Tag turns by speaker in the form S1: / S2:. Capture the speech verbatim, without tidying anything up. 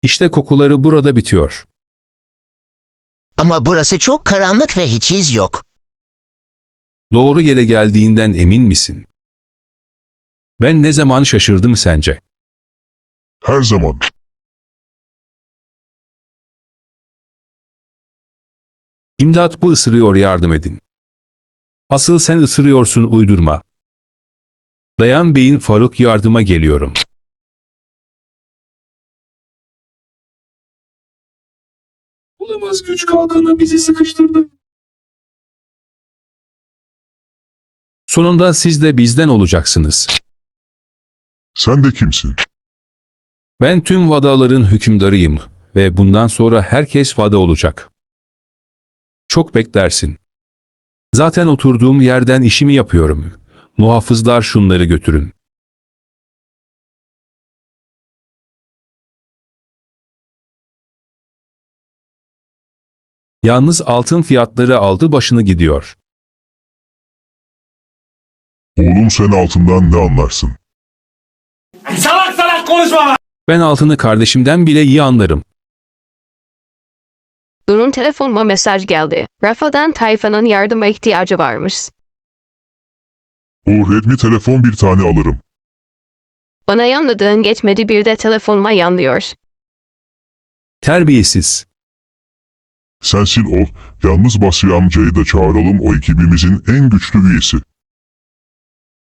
S1: İşte kokuları burada bitiyor.
S2: Ama burası çok karanlık ve hiç iz yok.
S1: Doğru yere geldiğinden emin misin? Ben ne zaman şaşırdım sence?
S3: Her zaman.
S1: İmdat, bu ısırıyor, yardım edin. Asıl sen ısırıyorsun, uydurma. Dayan beyin Faruk, yardıma geliyorum. Olamaz, güç kalkanı bizi sıkıştırdı. Sonunda siz de bizden olacaksınız.
S3: Sen de kimsin?
S1: Ben tüm vadaların hükümdarıyım ve bundan sonra herkes vada olacak. Çok beklersin. Zaten oturduğum yerden işimi yapıyorum. Muhafızlar şunları götürün. Yalnız altın fiyatları aldı başını gidiyor.
S3: Oğlum, sen altından ne anlarsın?
S4: Salak salak konuşma lan!
S1: Ben altını kardeşimden bile iyi anlarım.
S5: Durun, telefonuma mesaj geldi. Rafa'dan Tayfa'nın yardıma ihtiyacı varmış.
S3: O Redmi telefon bir tane alırım.
S5: Bana yanladığın geçmedi, bir de telefonuma yanlıyor.
S1: Terbiyesiz.
S3: Sensin ol, yalnız Basri amcayı da çağıralım, o ekibimizin en güçlü üyesi.